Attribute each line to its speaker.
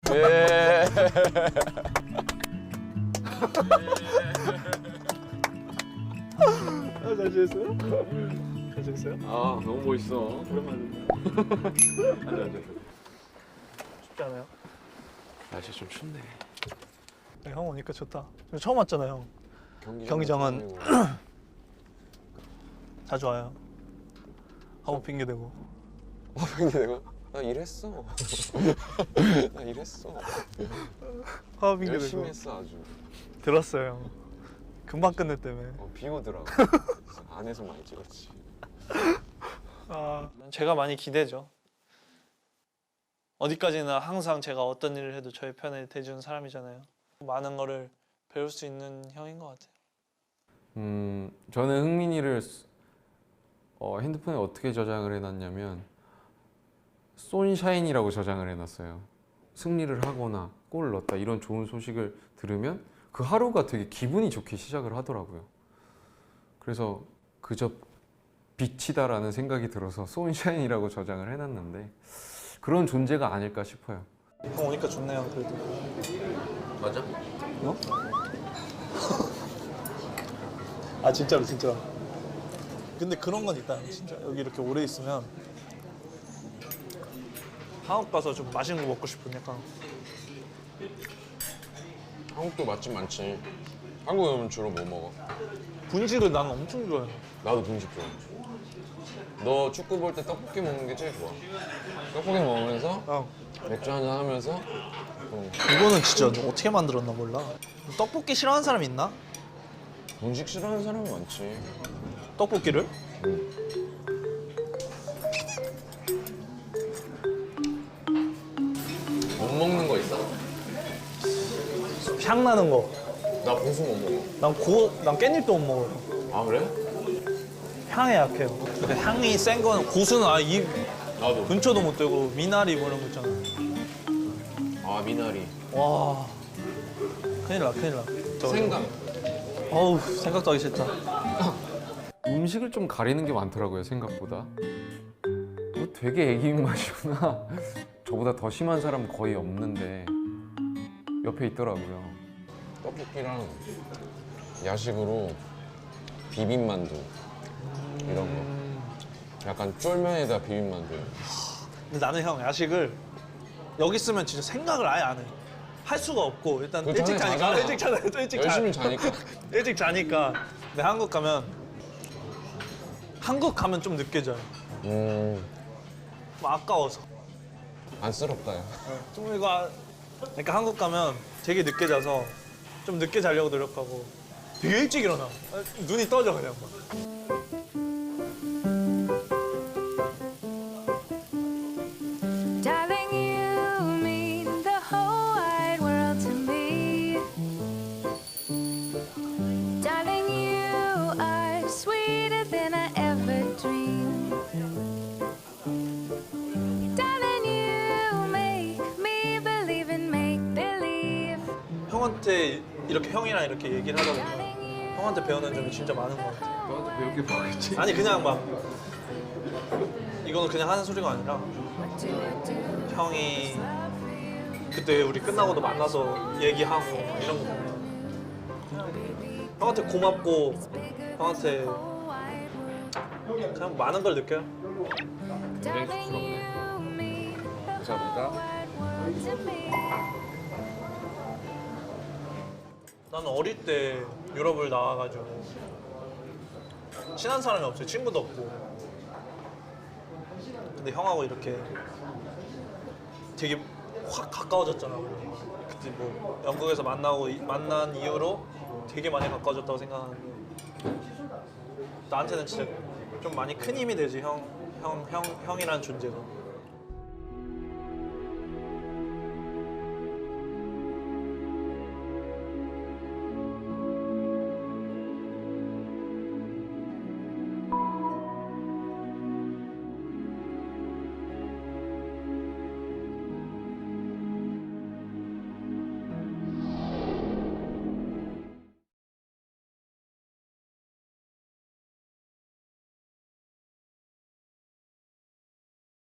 Speaker 1: 예.
Speaker 2: 잘 지냈어요? 잘 지냈어요?
Speaker 1: 아 너무 멋있어.
Speaker 2: 오랜만에.
Speaker 1: 앉아.
Speaker 2: 춥지 않아요?
Speaker 1: 날씨 좀 춥네.
Speaker 2: 네, 형 오니까 좋다. 처음 왔잖아요. 경기장은 자주 와요. 하고 핑계 대고.
Speaker 1: 근데 내가 나 일했어. 나 일했어.
Speaker 2: 하고 핑계
Speaker 1: 열심히
Speaker 2: 대고.
Speaker 1: 했어 아주.
Speaker 2: 들었어요. 금방 끝냈다며.
Speaker 1: 비 오더라고. 안에서 많이 찍었지.
Speaker 2: 아, 제가 많이 기대죠. 어디까지나 항상 제가 어떤 일을 해도 저의 편에 대주는 사람이잖아요. 많은 거를 배울 수 있는 형인 것 같아요.
Speaker 3: 저는 흥민이를 핸드폰에 어떻게 저장을 해놨냐면 손샤인이라고 저장을 해놨어요. 승리를 하거나 골을 넣었다 이런 좋은 소식을 들으면 그 하루가 되게 기분이 좋게 시작을 하더라고요. 그래서 그저 빛이다라는 생각이 들어서 손샤인이라고 저장을 해놨는데 그런 존재가 아닐까 싶어요.
Speaker 2: 형 오니까 좋네요, 그래도.
Speaker 1: 맞아?
Speaker 2: 어? 아 진짜로 진짜. 근데 그런 건 있다 진짜. 여기 이렇게 오래 있으면 한국 가서 좀 맛있는 거 먹고 싶은 약간.
Speaker 1: 한국도 맛집 많지. 한국에 오면 주로 뭐 먹어?
Speaker 2: 분식을 나는 엄청 좋아해.
Speaker 1: 나도 분식 좋아해. 너 축구 볼 때 떡볶이 먹는 게 제일 좋아. 떡볶이 먹으면서
Speaker 2: 형
Speaker 1: 맥주 한잔 하면서
Speaker 2: 이거는 진짜 어떻게 만들었나 몰라. 떡볶이 싫어하는 사람 있나?
Speaker 1: 분식 싫어하는 사람이 많지.
Speaker 2: 떡볶이를?
Speaker 1: 못 먹는 거 있어?
Speaker 2: 향 나는 거.
Speaker 1: 나 고수 못 먹어.
Speaker 2: 난 깻잎도 못 먹어요.
Speaker 1: 아 그래?
Speaker 2: 향에 약해요. 근데 향이 센 거는 고수는 입
Speaker 1: 나도.
Speaker 2: 근처도 못 대고 미나리 뭐 이런 거 있잖아.
Speaker 1: 아 미나리.
Speaker 2: 와 큰일 나 큰일 나.
Speaker 1: 생강.
Speaker 2: 어우 생각도 하기 싫다.
Speaker 3: 음식을 좀 가리는 게 많더라고요, 생각보다. 되게 애기 입맛이구나. 저보다 더 심한 사람 거의 없는데 옆에 있더라고요.
Speaker 1: 떡볶이랑 야식으로 비빔만두 이런 거. 약간 쫄면에다 비빔만두.
Speaker 2: 근데 나는 형 야식을 여기 있으면 진짜 생각을 아예 안 해. 할 수가 없고 일단
Speaker 1: 그
Speaker 2: 일찍
Speaker 1: 전에
Speaker 2: 자니까
Speaker 1: 자잖아.
Speaker 2: 일찍 자니까 일찍
Speaker 1: 열심히 자니까.
Speaker 2: 일찍 자니까. 근데 한국 가면 좀 늦게 자요. 뭐 아까워서.
Speaker 1: 안쓰럽다 야.
Speaker 2: 좀 그러니까 한국 가면 되게 늦게 자서 좀 늦게 자려고 노력하고 되게 일찍 일어나. 눈이 떠져 그냥 막.
Speaker 4: Darling, you mean the whole wide world to me. Darling, you are sweeter than I ever dreamed. Darling, you make me believe in make believe.
Speaker 2: 형한테 이렇게 형이랑 이렇게 얘기를 하다 보면 형한테 배우는 점이 진짜 많은 것 같아.
Speaker 3: 너한테 배울 게 뭐겠지?
Speaker 2: 아니 그냥 막 이거는 그냥 하는 소리가 아니라 형이 그때 우리 끝나고도 만나서 얘기하고 막 이런 거 보면 형한테 고맙고 형한테 그냥 많은 걸 느껴요.
Speaker 1: 굉장히 쑥스럽네. 감사합니다.
Speaker 2: 나는 어릴 때 유럽을 나와가지고 친한 사람이 없어요. 친구도 없고. 근데 형하고 이렇게 되게 확 가까워졌잖아. 그때 뭐 영국에서 만난 이후로 되게 많이 가까워졌다고 생각하는데 나한테는 진짜 좀 많이 큰 힘이 되지. 형이라는 존재가.